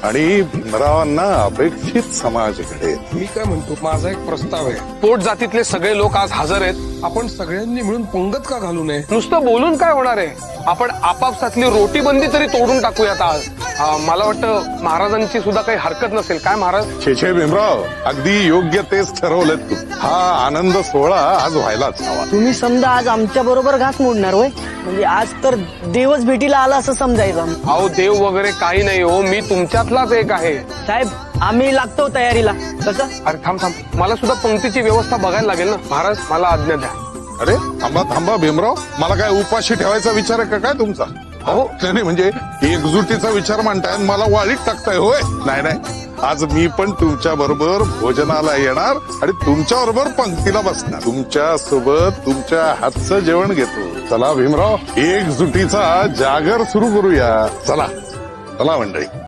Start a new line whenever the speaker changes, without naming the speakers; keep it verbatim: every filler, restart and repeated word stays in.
आणि भीमरावांना अपेक्षित समाज घडेल.
मी काय म्हणतो, माझा एक प्रस्ताव आहे.
पोट जातीतले सगळे लोक आज हजर आहेत.
आपण सगळ्यांनी मिळून पंगत का घालू नये?
नुसतं बोलून काय होणार आहे? आपण आपापसातली रोटी बंदी तरी तोडून टाकूयात आज. हा, मला वाटतं महाराजांची सुद्धा काही हरकत नसेल. काय महाराज?
छे छे भीमराव, अगदी योग्य तेच ठरवलं तू. हा आनंद सोहळा आज व्हायलाच हवा.
तुम्ही समजा आज आमच्या बरोबर घास मोडणार होय? म्हणजे आज तर देवच भेटीला आला असं समजायचं.
अहो देव वगैरे काही नाही हो, मी तुमच्यातलाच एक आहे.
साहेब आम्ही लागतो तयारीला. कसं?
अरे थांब थांब, मला सुद्धा पंक्तीची व्यवस्था बघायला लागेल ना. महाराज मला आज्ञा द्या.
अरे थांबा थांबा भीमराव, मला काय उपाशी ठेवायचा विचार आहे का काय तुमचा?
अहो
नाही म्हणजे एकजुटीचा विचार मांडताय आणि मला वाळीत टाकताय होय? नाही नाही, आज मी पण तुमच्या बरोबर भोजनाला येणार आणि तुमच्या बरोबर पंक्तीला बसणार. तुमच्या सोबत तुमच्या हातचं जेवण घेतो. चला भीमराव, एकजुटीचा जागर सुरू करूया. चला चला मंडळी.